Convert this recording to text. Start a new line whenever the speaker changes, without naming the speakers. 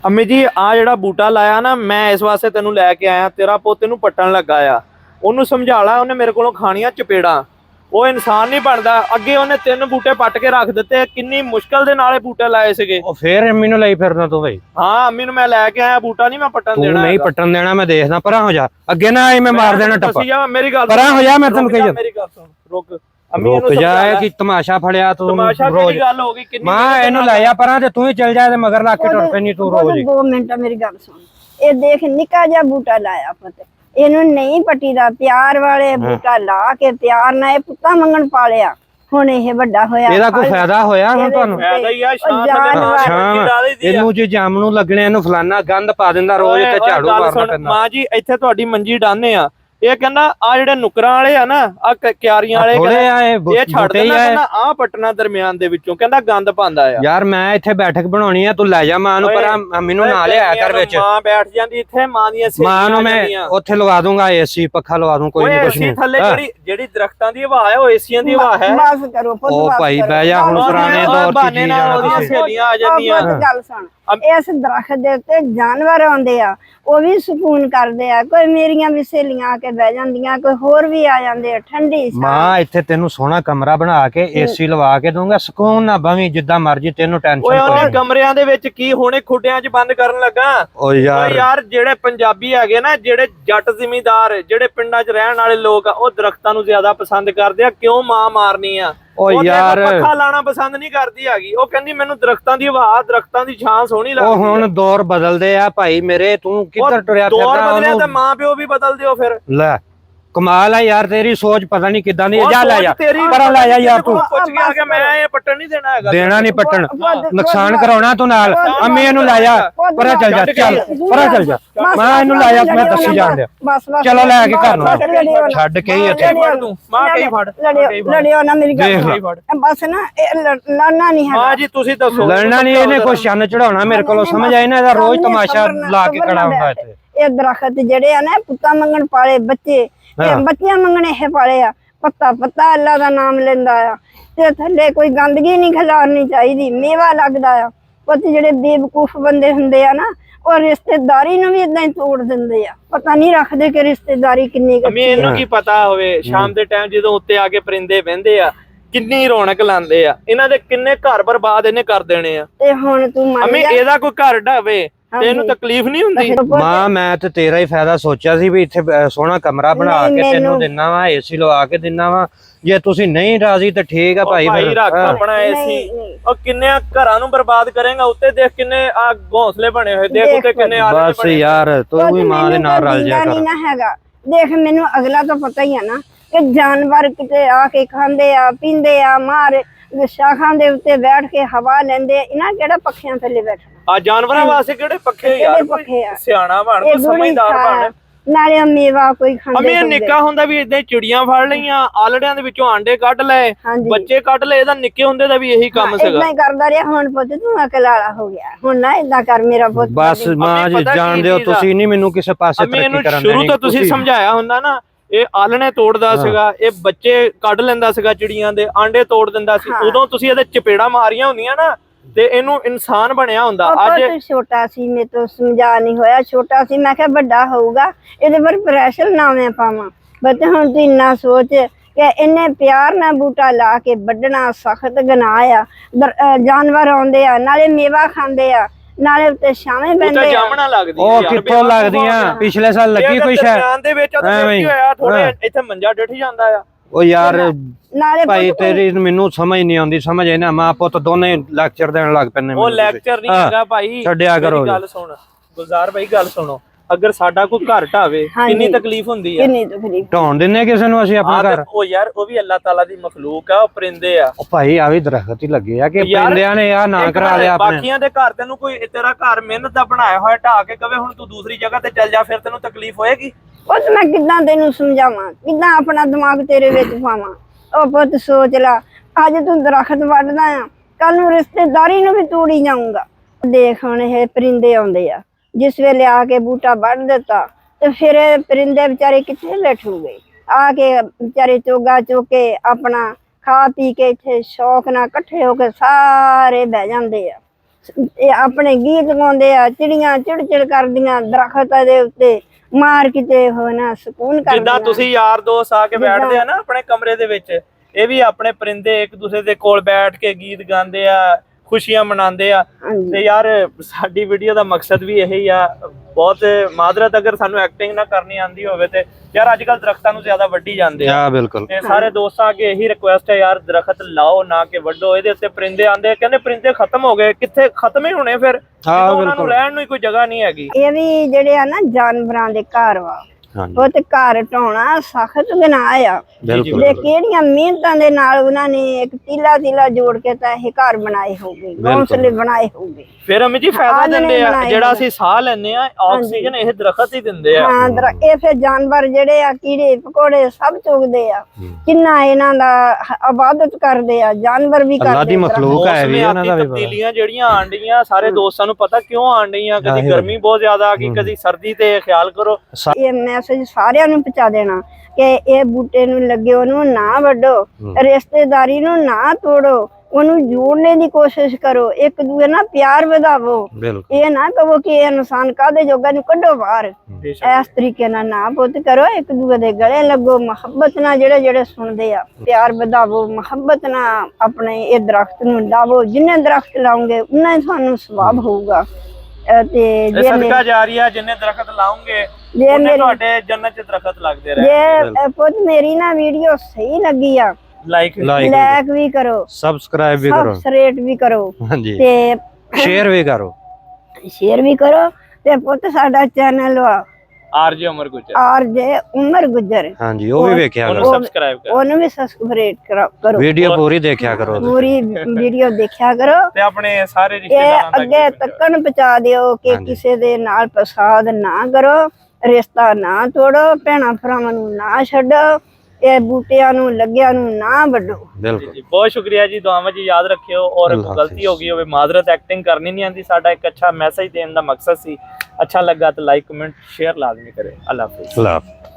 ਅੰਮੀ ਜੀ ਆ ਜਿਹੜਾ ਬੂਟਾ ਲਾਇਆ ਨਾ ਮੈਂ ਇਸ ਵਾਸਤੇ ਤੈਨੂੰ ਲੈ ਕੇ ਆਇਆ। ਤੇਰਾ ਪੁੱਤ ਇਹਨੂੰ ਪੱਟਣ ਲੱਗਾ ਆ। ਉਹਨੂੰ ਸਮਝਾ ਲਾ, ਉਹਨੇ ਮੇਰੇ ਕੋਲੋਂ ਖਾਣੀਆਂ ਚਪੇੜਾਂ। ਉਹ ਇਨਸਾਨ ਨਹੀਂ ਬਣਦਾ। ਅੱਗੇ ਉਹਨੇ 3 ਬੂਟੇ ਪੱਟ ਕੇ ਰੱਖ ਦਿੱਤੇ। ਕਿੰਨੀ ਮੁਸ਼ਕਲ ਦੇ ਨਾਲ ਇਹ ਬੂਟੇ ਲਾਏ ਸੀਗੇ।
ਉਹ ਫੇਰ ਅੰਮੀ ਨੂੰ ਲਈ ਫਿਰਦਾ ਤੂੰ ਬਈ?
ਹਾਂ, ਅੰਮੀ ਨੂੰ ਮੈਂ ਲੈ ਕੇ ਆਇਆ। ਬੂਟਾ ਨਹੀਂ ਮੈਂ ਪੱਟਣ ਦੇਣਾ।
ਨਹੀਂ ਪੱਟਣ ਦੇਣਾ, ਮੈਂ ਦੇਖਦਾ। ਪਰਾਂ ਹੋ ਜਾ, ਅੱਗੇ ਨਾ ਆਈ, ਮੈਂ ਮਾਰ ਦੇਣਾ ਟੱਪਾ।
ਮੇਰੀ ਗੱਲ
ਪਰਾਂ ਹੋ ਜਾ, ਮੈਂ ਤੈਨੂੰ ਕਹੀ
ਮੇਰੀ ਗੱਲ ਸੁਣ। ਰੁਕ
ਰੁਕ ਜਾ, ਕਿ ਤਮਾਸ਼ਾ ਫੜਿਆ ਤੂੰ?
ਤਮਾਸ਼ਾ ਕਿਹੜੀ ਗੱਲ ਹੋ ਗਈ? ਕਿੰਨੀ
ਮਾਂ ਇਹਨੂੰ ਲਾਇਆ ਪਰਾਂ ਤੇ ਤੂੰ ਹੀ ਚੱਲ ਜਾ, ਤੇ ਮਗਰ ਲਾ ਕੇ ਟੁੱਟ ਪੈਣੀ ਤੂੰ ਰੋਜ਼।
2 ਮਿੰਟ ਮੇਰੀ ਗੱਲ ਸੁਣ। ਇਹ ਦੇਖ ਨਿੱਕਾ ਜਿਹਾ ਬੂਟਾ ਲਾਇਆ ਪੁੱਤ, ਇਹਨੂੰ ਨਹੀਂ ਪੱਟੀ ਦਾ। ਪਿਆਰ ਵਾਲੇ ਬੂਟਾ ਲਾ ਕੇ ਪਿਆਰ ਨਾਲ ਇਹ ਪੁੱਤਾਂ ਮੰਗਣ ਪਾਲਿਆ। ਹੁਣ ਇਹ ਵੱਡਾ ਹੋਇਆ,
ਇਹਦਾ ਕੋਈ ਫਾਇਦਾ ਹੋਇਆ ਹੁਣ ਤੁਹਾਨੂੰ?
ਫਾਇਦਾ ਹੀ ਆ।
ਇਹਨੂੰ ਜੇ ਜਾਮ ਨੂੰ ਲੱਗਣੇ, ਇਹਨੂੰ ਫਲਾਨਾ ਗੰਦ ਪਾ ਦਿੰਦਾ ਰੋਜ਼ ਤੇ ਝਾੜੂ ਮਾਰਨਾ ਪੈਂਦਾ।
ਮਾਂ ਜੀ ਇੱਥੇ ਤੁਹਾਡੀ ਮੰਜੀ ਡਾਹਨੇ ਆ। ਇਹ ਕਹਿੰਦਾ ਆ ਜਿਹੜੇ ਨੁਕਰਾਂ ਵਾਲੇ ਆ ਨਾ, ਆ ਕਿਆਰੀਆਂ ਵਾਲੇ, ਇਹ ਛੱਡ ਦੇਣਾ। ਕਹਿੰਦਾ ਆ ਪਟਨਾ ਦਰਮਿਆਨ ਦੇ ਵਿੱਚੋਂ, ਕਹਿੰਦਾ ਗੰਦ ਪਾਉਂਦਾ ਆ।
ਯਾਰ ਮੈਂ ਇੱਥੇ ਬੈਠਕ ਬਣਾਉਣੀ ਆ, ਤੂੰ ਲੈ ਜਾ ਮਾਂ ਨੂੰ। ਪਰ ਮੈਨੂੰ ਨਾ ਲਿਆਇਆ ਕਰ ਵਿੱਚ।
ਮਾਂ ਬੈਠ ਜਾਂਦੀ ਇੱਥੇ, ਮਾਂ ਦੀਆਂ
ਮਾਂ ਨੂੰ ਮੈਂ ਉੱਥੇ ਲਵਾ ਦੂੰਗਾ, ਏਸੀ ਪੱਖਾ ਲਵਾ ਦੂੰ। ਕੋਈ ਨਹੀਂ, ਕੁਛ ਨਹੀਂ।
ਥੱਲੇ ਜਿਹੜੀ ਦਰਖਤਾਂ ਦੀ ਹਵਾ ਹੈ ਉਹ ਏਸੀਆਂ ਦੀ ਹਵਾ ਹੈ।
ਬਸ ਕਰੋ ਪੁੱਤ,
ਉਹ ਭਾਈ ਬਹਿ ਜਾ, ਹੁਣ ਪੁਰਾਣੇ ਦੌਰ ਚ ਜੀ ਜਾਣਾ ਤੁਸੀਂ।
ਸਹੇਲੀਆਂ ਆ ਜਾਂਦੀਆਂ।
ਗੱਲ ਸੁਣ, ਇਸ ਦਰਖਤ ਦੇ ਉੱਤੇ ਜਾਨਵਰ ਆਉਂਦੇ ਆ, ਉਹ ਵੀ ਸਕੂਨ ਕਰਦੇ ਆ। ਕੋਈ ਮੇਰੀਆਂ ਵੀ ਸਹੇਲੀਆਂ ਆ ਕੇ ਬਹਿ ਜਾਂਦੀਆਂ, ਕੋਈ ਹੋਰ ਵੀ ਆ ਜਾਂਦੇ ਆ। ਠੰਡੀ
ਮਾਂ ਇੱਥੇ ਤੈਨੂੰ ਸੋਹਣਾ ਕਮਰਾ ਬਣਾ ਕੇ ਏਸੀ ਲਵਾ ਕੇ ਦੂੰਗਾ, ਸਕੂਨ ਨਾ ਬਵੀਂ, ਜਿੱਦਾਂ ਮਰਜੀ, ਤੈਨੂੰ ਟੈਨਸ਼ਨ
ਕੋਈ ਨਹੀਂ। ਕਮਰਿਆਂ ਦੇ ਵਿੱਚ ਕੀ ਹੋਣੇ, ਖੁੱਡਿਆਂ 'ਚ ਬੰਦ ਕਰਨ ਲੱਗਾ।
ਓ ਯਾਰ
ਜਿਹੜੇ ਪੰਜਾਬੀ ਹੈਗੇ ਨਾ, ਜਿਹੜੇ ਜੱਟ ਜ਼ਿਮੀਂਦਾਰ, ਜਿਹੜੇ ਪਿੰਡਾਂ 'ਚ ਰਹਿਣ ਵਾਲੇ ਲੋਕ ਆ, ਉਹ ਦਰਖਤਾਂ ਨੂੰ ਜ਼ਿਆਦਾ ਪਸੰਦ ਕਰਦੇ ਆ। ਕਿਉਂ ਮਾਂ ਮਾਰਨੀ ਆ?
ਓ ਯਾਰ
ਪੱਖਾ ਲਾਣਾ ਪਸੰਦ ਨਹੀਂ ਕਰਦੀ ਹੈਗੀ। ਉਹ ਕਹਿੰਦੀ ਮੈਨੂੰ ਦਰਖਤਾਂ ਦੀ ਹਵਾ, ਦਰਖਤਾਂ ਦੀ ਛਾਂ ਸੋਹਣੀ ਲੱਗਦੀ।
ਉਹ ਹੁਣ ਦੌਰ ਬਦਲਦੇ ਆ ਭਾਈ ਮੇਰੇ, ਤੂੰ ਕਿੱਧਰ ਟੁਰਿਆ ਫਿਰਦਾ?
ਦੌਰ ਬਦਲਿਆ ਤਾਂ ਮਾਂ ਪਿਓ ਵੀ ਬਦਲ ਦਿਓ ਫਿਰ।
ਲੈ ਕਮਾਲ ਆ ਯਾਰ, ਤੇਰੀ ਸੋਚ ਪਤਾ ਨਹੀਂ ਕਿੱਦਾਂ ਦੀ। ਜਾ ਲੈ ਜਾ, ਪਰਾਂ ਲੈ ਜਾ ਯਾਰ। ਤੂੰ
ਪੁੱਛ ਗਿਆ ਕਿ ਮੈਂ ਇਹ ਪੱਟਣ ਨਹੀਂ ਦੇਣਾ ਹੈਗਾ।
ਦੇਣਾ ਨਹੀਂ ਪੱਟਣ, ਨੁਕਸਾਨ ਕਰਾਉਣਾ ਤੂੰ ਨਾਲ। ਅੰਮੀ ਇਹਨੂੰ ਲੈ ਜਾ, ਪਰਾਂ ਚੱਲ ਜਾ, ਚੱਲ ਪਰਾਂ ਚੱਲ ਜਾ। ਮੈਂ ਇਹਨੂੰ ਲੈ ਜਾ, ਮੈਂ ਦੱਸੀ ਜਾਣ ਦਿਆ। ਚਲੋ ਲੈ ਕੇ ਘਰ ਨੂੰ ਛੱਡ ਕੇ ਹੀ ਇੱਥੇ।
ਮਾਂ ਕਈ ਫੜ
ਲੜਿਓ ਨਾ ਮੇਰੀ ਗੱਲ। ਬਸ ਨਾ ਲੜਨਾ ਨਹੀਂ ਹੈ।
ਮਾਂ ਜੀ ਤੁਸੀਂ ਦੱਸੋ।
ਲੜਨਾ ਨਹੀਂ, ਇਹਨੇ ਕੋਈ ਛੰਨ ਚੜਾਉਣਾ ਮੇਰੇ ਕੋਲੋਂ, ਸਮਝ ਆਈ ਨਾ? ਇਹਦਾ ਰੋਜ਼ ਤਮਾਸ਼ਾ ਲਾ ਕੇ ਖੜਾ ਹੁੰਦਾ ਇੱਥੇ।
ਇਹ ਦਰਖਤ ਜਿਹੜੇ ਆ ਨਾ, ਪੁੱਤਾਂ ਮੰਗਣ ਪਾਲੇ ਬੱਚੇ, ਬੱਚਿਆਂ ਮੰਗਣੇ ਇਹ ਪਾਲੇ ਆ। ਪੱਤਾ ਪੱਤਾ ਅੱਲਾ ਦਾ ਨਾਮ ਲੈਂਦਾ ਆ, ਤੇ ਥੱਲੇ ਕੋਈ ਗੰਦਗੀ ਨਹੀਂ ਖਿਲਾਰਨੀ ਚਾਹੀਦੀ। ਮੇਵਾ ਲੱਗਦਾ ਆ। ਪੁੱਤ ਜਿਹੜੇ ਬੇਵਕੂਫ ਬੰਦੇ ਹੁੰਦੇ ਆ ਨਾ, ਉਹ ਰਿਸ਼ਤੇਦਾਰੀ ਨੂੰ ਵੀ ਇਦਾਂ ਹੀ ਤੋੜ ਦਿੰਦੇ ਆ। ਪਤਾ ਨਹੀਂ ਰੱਖਦੇ ਕਿ ਰਿਸ਼ਤੇਦਾਰੀ ਕਿੰਨੀ ਕੱਚੀ ਆ।
ਇਹਨੂੰ ਕੀ ਪਤਾ ਹੋਵੇ, ਸ਼ਾਮ ਦੇ ਟਾਈਮ ਜਦੋਂ ਉੱਤੇ ਆ ਕੇ ਪਰਿੰਦੇ ਬਹਿੰਦੇ ਆ, ਕਿੰਨੀ ਰੌਣਕ ਲਾਉਂਦੇ ਆ। ਇਹਨਾਂ ਦੇ ਕਿੰਨੇ ਘਰ ਬਰਬਾਦ ਇਹਨੇ ਕਰ ਦੇਣੇ ਆ।
ਤੇ ਹੁਣ ਤੂੰ ਮੰਨ
ਅਮੀ ਇਹਦਾ ਕੋਈ ਘਰ ਢਾਵੇ ਤੇ ਇਹਨੂੰ ਤਕਲੀਫ ਨਹੀਂ ਹੁੰਦੀ?
ਮਾਂ ਮੈਂ ਤੇ ਤੇਰਾ ਹੀ ਫਾਇਦਾ ਸੋਚਿਆ ਸੀ ਵੀ ਇੱਥੇ ਸੋਹਣਾ ਕਮਰਾ ਬਣਾ ਕੇ ਤੈਨੂੰ ਦਿਨਾ ਵਾ, ਏਸੀ ਲਵਾ ਕੇ ਦਿਨਾ ਵਾ। ਜੇ ਤੁਸੀਂ ਨਹੀਂ ਰਾਜ਼ੀ ਤੇ ਠੀਕ ਆ ਭਾਈ,
ਫਿਰ ਰੱਖ ਆਪਣਾ ਏਸੀ। ਉਹ ਕਿੰਨੇ ਘਰਾਂ ਨੂੰ ਬਰਬਾਦ ਕਰੇਗਾ। ਉੱਤੇ ਦੇਖ ਕਿੰਨੇ ਆ ਘੋਂਸਲੇ ਬਣੇ ਹੋਏ, ਦੇਖ ਉੱਤੇ ਕਿੰਨੇ ਆਦਮੀ
ਬਸ ਯਾਰ ਤੂੰ ਵੀ ਮਾਂ ਦੇ ਨਾਲ ਰਲ ਜਾ ਕਰ।
ਨਾ ਹੈਗਾ ਦੇਖ, ਮੈਨੂੰ ਅਗਲਾ ਤਾਂ ਪਤਾ ਹੀ ਆ ਨਾ ਕਿ ਜਾਨਵਰ ਕਿਤੇ ਆ ਕੇ ਖਾਂਦੇ ਆ, ਪੀਂਦੇ ਆ, ਮਾਰ ਸ਼ਾਖਾਂ ਦੇ ਉੱਤੇ ਬੈਠ ਕੇ ਹਵਾ ਲੈਂਦੇ। ਇਹਨਾਂ ਕਿਹੜਾ ਪੱਖਿਆਂ ਥੱਲੇ ਬੈਠਣਾ?
ਆ ਜਾਨਵਰਾਂ ਵਾਸਤੇ ਕਿਹੜੇ ਪੱਖੇ ਯਾਰ? ਸਿਆਣਾ ਬਣ, ਕੋਈ ਸਮਝਦਾਰ ਬਣ।
ਨਾਲੇ ਮੇਵਾ ਕੋਈ ਖਾਂਦੇ।
ਅਮੀ ਇਹ ਨਿੱਕਾ ਹੁੰਦਾ ਵੀ ਇਦਾਂ ਚਿੜੀਆਂ ਫੜ ਲਈਆਂ, ਆਲੜਿਆਂ ਦੇ ਵਿੱਚੋਂ ਆਂਡੇ ਕੱਢ ਲਏ, ਬੱਚੇ ਕੱਢ ਲਏ। ਇਹਦਾ ਨਿੱਕੇ ਹੁੰਦੇ ਦਾ ਵੀ ਇਹੀ ਕੰਮ ਸੀਗਾ।
ਇਦਾਂ ਹੀ ਕਰਦਾ ਰਿਹਾ। ਹੁਣ ਪੁੱਤ ਤੂੰ ਅਕਲ ਵਾਲਾ ਹੋ ਗਿਆ। ਹੁਣ ਨਾ ਇਦਾਂ ਕਰ ਮੇਰਾ ਪੁੱਤ।
ਬਸ ਮਾਂ ਜੀ ਜਾਣਦੇ ਹੋ ਤੁਸੀਂ, ਨਹੀਂ ਮੈਨੂੰ ਕਿਸੇ ਪਾਸੇ ਤਰੱਕੀ ਕਰਨ ਦੇਣੀ।
ਸ਼ੁਰੂ ਤੋਂ ਤੁਸੀਂ ਸਮਝਾਇਆ ਹੁੰਦਾ ਨਾ, ਇਹ ਆਲਣੇ ਤੋੜਦਾ ਸੀਗਾ, ਇਹ ਬੱਚੇ ਕੱਢ ਲੈਂਦਾ ਸੀਗਾ, ਚਿੜੀਆਂ ਦੇ ਆਂਡੇ ਤੋੜ ਦਿੰਦਾ ਸੀ। ਉਦੋਂ ਤੁਸੀਂ ਇਹਦੇ ਚਪੇੜਾ ਮਾਰੀਆਂ ਹੁੰਦੀਆਂ ਨਾ, ਤੇ ਇਹਨੂੰ ਇਨਸਾਨ ਬਣਿਆ ਹੁੰਦਾ।
ਅੱਜ ਛੋਟਾ ਸੀ, ਮੇਰੇ ਤੋਂ ਸਮਝਾ ਨਹੀਂ ਹੋਇਆ। ਛੋਟਾ ਸੀ, ਮੈਂ ਕਿਹਾ ਵੱਡਾ ਹੋਊਗਾ ਇਹਦੇ ਪਰ ਪ੍ਰੈਸ਼ਰ ਨਾ ਮੈਂ ਪਾਵਾਂ। ਬਟ ਹੁਣ ਤੂੰ ਇੰਨਾ ਸੋਚ ਕਿ ਇਹਨੇ ਪਿਆਰ ਨਾਲ ਬੂਟਾ ਲਾ ਕੇ ਵੱਢਣਾ ਸਖਤ ਗੁਨਾਹ ਆ। ਜਾਨਵਰ ਆਉਂਦੇ ਆ, ਨਾਲੇ ਮੇਵਾ ਖਾਂਦੇ ਆ, ਨਾਲੇ ਉੱਤੇ ਛਾਵੇਂ ਬੈਠਦੇ ਆ।
ਜਾਮਣਾ ਲੱਗਦੀ
ਉਹ ਕਿੱਥੋਂ ਲੱਗਦੀਆਂ? ਪਿਛਲੇ ਸਾਲ ਲੱਗੀ ਕੋਈ ਸ਼ਾਇਦ
ਦੇ ਵਿੱਚ ਹੋਇਆ ਥੋੜੇ ਇੱਥੇ ਮੰਜਾ ਡਿੱਠ ਜਾਂਦਾ ਆ।
ਉਹ ਯਾਰ ਭਾਈ ਤੇਰੀ ਮੈਨੂੰ ਸਮਝ ਨਹੀਂ ਆਉਂਦੀ। ਸਮਝ ਆਈ ਨਾ? ਮਾਂ ਪੁੱਤ ਦੋਨੇ ਲੈਕਚਰ ਦੇਣ ਲੱਗ ਪੈਣੇ।
ਉਹ ਲੈਕਚਰ ਨਹੀਂ ਹੈਗਾ ਭਾਈ,
ਛੱਡਿਆ ਕਰੋ।
ਗੱਲ ਸੁਣ ਗੁਲਜ਼ਾਰ ਭਾਈ, ਗੱਲ ਸੁਣੋ। ਅਗਰ ਸਾਡਾ ਕੋਈ ਘਰ ਢਾਵੇ ਕਿੰਨੀ ਤਕਲੀਫ ਹੁੰਦੀ ਆ।
ਕਿੰਨੀ ਤਕਲੀਫ
ਢਾਉਣ ਦਿੰਨੇ ਕਿਸੇ ਨੂੰ ਅਸੀਂ ਆਪਣਾ ਘਰ?
ਉਹ ਯਾਰ ਉਹ ਵੀ ਅੱਲਾਹ ਤਾਲਾ ਦੀ ਮਖਲੂਕ ਆ, ਉਹ ਪਰਿੰਦੇ ਆ।
ਉਹ ਭਾਈ ਆ ਵੀ ਦਰਖਤ ਹੀ ਲੱਗੇ ਆ ਕਿ ਪਰਿੰਦਿਆਂ ਨੇ ਆ ਨਾ ਕਰਾ ਲਿਆ ਆਪਣੇ?
ਬਾਕੀਆਂ ਦੇ ਘਰ ਤੈਨੂੰ ਕੋਈ ਤੇਰਾ ਘਰ ਮਿਹਨਤ ਦਾ ਬਣਾਇਆ ਹੋਇਆ ਢਾ ਕੇ ਕਵੇ ਹੁਣ ਤੂੰ ਦੂਸਰੀ ਜਗ੍ਹਾ ਤੇ ਚੱਲ ਜਾ, ਫਿਰ ਤੈਨੂੰ ਤਕਲੀਫ ਹੋਏਗੀ?
ਪੁੱਤ ਮੈਂ ਕਿੱਦਾਂ ਤੈਨੂੰ ਸਮਝਾਵਾਂ, ਕਿੱਦਾਂ ਆਪਣਾ ਦਿਮਾਗ ਤੇਰੇ ਵਿੱਚ ਪਾਵਾਂ? ਉਹ ਪੁੱਤ ਸੋਚ ਲਾ, ਅੱਜ ਤੂੰ ਦਰਖਤ ਵੱਢਦਾ ਆ, ਕੱਲ ਨੂੰ ਰਿਸ਼ਤੇਦਾਰੀ ਨੂੰ ਵੀ ਤੋੜੀ ਜਾਊਂਗਾ। ਦੇਖ ਹੁਣ ਇਹ ਪਰਿੰਦੇ ਆਉਂਦੇ ਆ, ਜਿਸ ਵੇਲੇ ਆ ਕੇ ਬੂਟਾ ਵੱਢ ਦਿੱਤਾ ਤੇ ਫਿਰ ਪਰਿੰਦੇ ਵਿਚਾਰੇ ਕਿੱਥੇ ਬੈਠੂਗੇ? ਆ ਕੇ ਵਿਚਾਰੇ ਚੋਗਾ ਚੁੱਕ ਕੇ ਆਪਣਾ ਖਾ ਪੀ ਕੇ ਇੱਥੇ ਸ਼ੌਕ ਨਾਲ ਇਕੱਠੇ ਹੋ ਕੇ ਸਾਰੇ ਬਹਿ ਜਾਂਦੇ ਆ। ਇਹ ਆਪਣੇ ਗੀਤ ਗਾਉਂਦੇ ਆ, ਚਿੜੀਆਂ ਚਿੜਚਿੜ ਕਰਦੀਆਂ ਦਰਖਤਾਂ ਦੇ ਉੱਤੇ ਮਾਰ ਕਿਤੇ ਹੋਣਾ ਸਕੂਨ ਕਰਦੀਆਂ।
ਜਿੱਦਾਂ ਤੁਸੀਂ ਯਾਰ ਦੋਸਤ ਆ ਕੇ ਬੈਠਦੇ ਆ ਨਾ ਆਪਣੇ ਕਮਰੇ ਦੇ ਵਿੱਚ, ਇਹ ਵੀ ਆਪਣੇ ਪਰਿੰਦੇ ਇੱਕ ਦੂਸਰੇ ਦੇ ਕੋਲ ਬੈਠ ਕੇ ਗੀਤ ਗਾਉਂਦੇ ਆ, ਖੁਸ਼ੀਆਂ ਮਨਾਉਂਦੇ ਆ। ਤੇ ਯਾਰ ਸਾਡੀ ਵੀਡੀਓ ਦਾ ਮਕਸਦ ਵੀ ਇਹੀ ਆ। ਬਹੁਤ ਮਾਦਰਤ ਅਗਰ ਸਾਨੂੰ ਐਕਟਿੰਗ ਨਾ ਕਰਨੀ ਆਂਦੀ ਹੋਵੇ ਤੇ ਯਾਰ ਅੱਜ ਕੱਲ ਦਰਖਤਾਂ ਨੂੰ ਜ਼ਿਆਦਾ ਵੱਢੀ ਜਾਂਦੇ ਆ।
ਬਿਲਕੁਲ।
ਤੇ ਸਾਰੇ ਦੋਸਤਾਂ ਅੱਗੇ ਇਹੀ ਰਿਕੁਐਸਟ ਹੈ ਯਾਰ, ਦਰਖਤ ਲਾਓ ਨਾ ਕਿ ਵੱਢੋ। ਇਹਦੇ ਉੱਤੇ ਪਰਿੰਦੇ ਆਂਦੇ, ਕਹਿੰਦੇ ਪਰਿੰਦੇ ਖਤਮ ਹੋ ਗਏ, ਕਿੱਥੇ ਖਤਮ ਹੀ ਹੋਣੇ ਫਿਰ, ਉਹਨਾਂ ਨੂੰ ਰਹਿਣ ਨੂੰ ਹੀ ਕੋਈ ਜਗ੍ਹਾ ਨਹੀਂ ਹੈਗੀ। ਇਹ
ਵੀ ਜਿਹੜੇ ਆ ਨਾ ਜਾਨਵਰਾਂ ਦੇ ਘਰ ਵਾ, ਉਹ ਤੇ ਘਰ ਢਾਉਣਾ ਸਖਤ ਗੁਨਾਹ ਆ। ਤੇ ਕਿਹੜੀਆਂ ਮਿਹਨਤਾਂ ਦੇ ਨਾਲ ਉਹਨਾਂ ਨੇ ਇੱਕ ਤੀਲਾ ਜੋੜ ਕੇ ਤਾਂ ਇਹ ਘਰ ਬਣਾਏ ਹੋਗੇ, ਘੋਂਸਲੇ ਬਣਾਏ ਹੋਗੇ।
ਫਿਰ ਅਮੀ ਜੀ ਫਾਇਦਾ ਦਿੰਦੇ ਆ, ਜਿਹੜਾ ਅਸੀਂ ਸਾਹ ਲੈਂਦੇ ਆ ਆਕਸੀਜਨ ਇਹ ਦਰਖਤ ਹੀ ਦਿੰਦੇ ਆ।
ਹਾਂ, ਇਹ ਫਿਰ ਜਾਨਵਰ ਜਿਹੜੇ ਆ ਕੀੜੇ ਪਕੌੜੇ ਸਭ ਚੁਗਦੇ ਆ, ਕਿੰਨਾ ਇਹਨਾਂ ਦਾ ਇਬਾਦਤ ਕਰਦੇ ਆ, ਜਾਨਵਰ ਵੀ ਕਰਦੇ।
ਅੱਲਾਹ ਦੀ ਮਖਲੂਕ ਹੈ ਵੀ ਇਹਨਾਂ ਦਾ ਵੀ।
ਤਬਦੀਲੀਆਂ ਜਿਹੜੀਆਂ ਆਣ ਡੀਆਂ ਸਾਰੇ ਦੋਸਤਾਂ ਨੂੰ ਪਤਾ ਕਿਉਂ ਆਣ ਡੀਆਂ, ਕਦੀ ਗਰਮੀ ਬਹੁਤ ਜ਼ਿਆਦਾ ਆ ਗਈ, ਕਦੀ ਸਰਦੀ, ਤੇ ਖਿਆਲ ਕਰੋ।
ਇਹ ਮੈਸੇਜ ਸਾਰਿਆਂ ਨੂੰ ਪਹੁੰਚਾ ਦੇਣਾ ਕਿ ਇਹ ਬੂਟੇ ਨੂੰ ਲੱਗੇ ਉਹਨੂੰ ਨਾ ਵੱਢੋ, ਰਿਸ਼ਤੇਦਾਰੀ ਨੂੰ ਨਾ ਤੋੜੋ, ਉਹਨੂੰ ਜੋੜਨੇ ਦੀ ਕੋਸ਼ਿਸ਼ ਕਰੋ, ਇੱਕ ਦੂਜੇ ਨਾਲ ਪਿਆਰ ਵਧਾਵੋ। ਇਹ ਨਾ ਕਹੋ ਕਿ ਇਹ ਇਨਸਾਨ ਕਾਹਦੇ ਜੋਗਾ ਨੂੰ ਕੱਢੋ ਬਾਹਰ, ਇਸ ਤਰੀਕੇ ਨਾਲ ਨਾ ਪੁੱਤ ਕਰੋ। ਇੱਕ ਦੂਜੇ ਦੇ ਗਲੇ ਲੱਗੋ, ਮੁਹੱਬਤ ਨਾਲ ਜਿਹੜੇ ਸੁਣਦੇ ਆ ਪਿਆਰ ਵਧਾਵੋ, ਮੁਹੱਬਤ ਨਾਲ ਆਪਣੇ ਇਹ ਦਰਖਤ ਨੂੰ ਲਾਵੋ। ਜਿੰਨੇ ਦਰਖਤ ਲਾਉਂਗੇ ਉਨਾ ਹੀ ਤੁਹਾਨੂੰ ਸਵਾਬ ਹੋਊਗਾ। ਤੇ ਜੇ
ਸਦਕਾ ਜਾਰੀਆ ਜਿੰਨੇ ਦਰਖਤ ਲਾਉਂਗੇ ਉਹਨੇ ਤੁਹਾਡੇ ਜੰਨਤ ਚ ਦਰਖਤ ਲੱਗਦੇ ਰਹੇ।
ਜੇ ਪੁੱਤ ਮੇਰੀ ਨਾ ਵੀਡੀਓ ਸਹੀ ਲੱਗੀ ਆ, ਲਾਈਕ ਵੀ ਕਰੋ,
ਸਬਸਕ੍ਰਾਈਬ ਵੀ ਕਰੋ,
ਸਬਸਕ੍ਰਾਈਬ ਵੀ ਕਰੋ,
ਹਾਂਜੀ,
ਤੇ
ਸ਼ੇਅਰ ਵੀ ਕਰੋ, ਤੇ ਪੁੱਤ ਸਾਡਾ ਚੈਨਲ ਵਾ
ਆਰਜੇ ਉਮਰ ਗੁੱਜਰ,
ਹਾਂਜੀ, ਉਹ ਵੀ ਵੇਖਿਆ ਕਰੋ,
ਸਬਸਕ੍ਰਾਈਬ ਕਰੋ,
ਉਹਨੂੰ ਵੀ ਸਬਸਕ੍ਰਾਈਬ ਕਰੋ,
ਵੀਡੀਓ ਪੂਰੀ ਦੇਖਿਆ ਕਰੋ,
ਪੂਰੀ ਵੀਡੀਓ ਦੇਖਿਆ ਕਰੋ,
ਤੇ ਆਪਣੇ ਸਾਰੇ ਰਿਸ਼ਤੇਦਾਰਾਂ ਤੱਕ
ਅੱਗੇ ਤੱਕਣ ਪਹੁੰਚਾ ਦਿਓ ਕਿ ਕਿਸੇ ਦੇ ਨਾਲ ਫਸਾਦ ਨਾ ਕਰੋ, ਰਿਸ਼ਤਾ ਨਾ ਤੋੜੋ, ਭੈਣਾਂ ਭਰਾਵਾਂ ਨੂੰ ਨਾ ਛੱਡੋ, ਇਹ ਬੂਟਿਆਂ ਨੂੰ ਲੱਗਿਆਂ ਨੂੰ ਨਾ ਵੱਢੋ।
ਬਿਲਕੁਲ।
ਬਹੁਤ ਸ਼ੁਕਰੀਆ ਜੀ, ਦੁਆਵਾਂ ਜੀ ਯਾਦ ਰੱਖਿਓ। ਔਰ ਗਲਤੀ ਹੋ ਗਈ ਹੋਵੇ ਮਾਜ਼ਰਤ, ਐਕਟਿੰਗ ਕਰਨੀ ਨਹੀਂ ਆਂਦੀ, ਸਾਡਾ ਇੱਕ ਅੱਛਾ ਮੈਸੇਜ ਦੇਣ ਦਾ ਮਕਸਦ ਸੀ। ਅੱਛਾ ਲੱਗਾ ਤਾਂ ਲਾਈਕ ਕਮੈਂਟ ਸ਼ੇਅਰ ਲਾਜ਼ਮੀ ਕਰੇ। ਅੱਲਾਹ ਹਾਫਿਜ਼।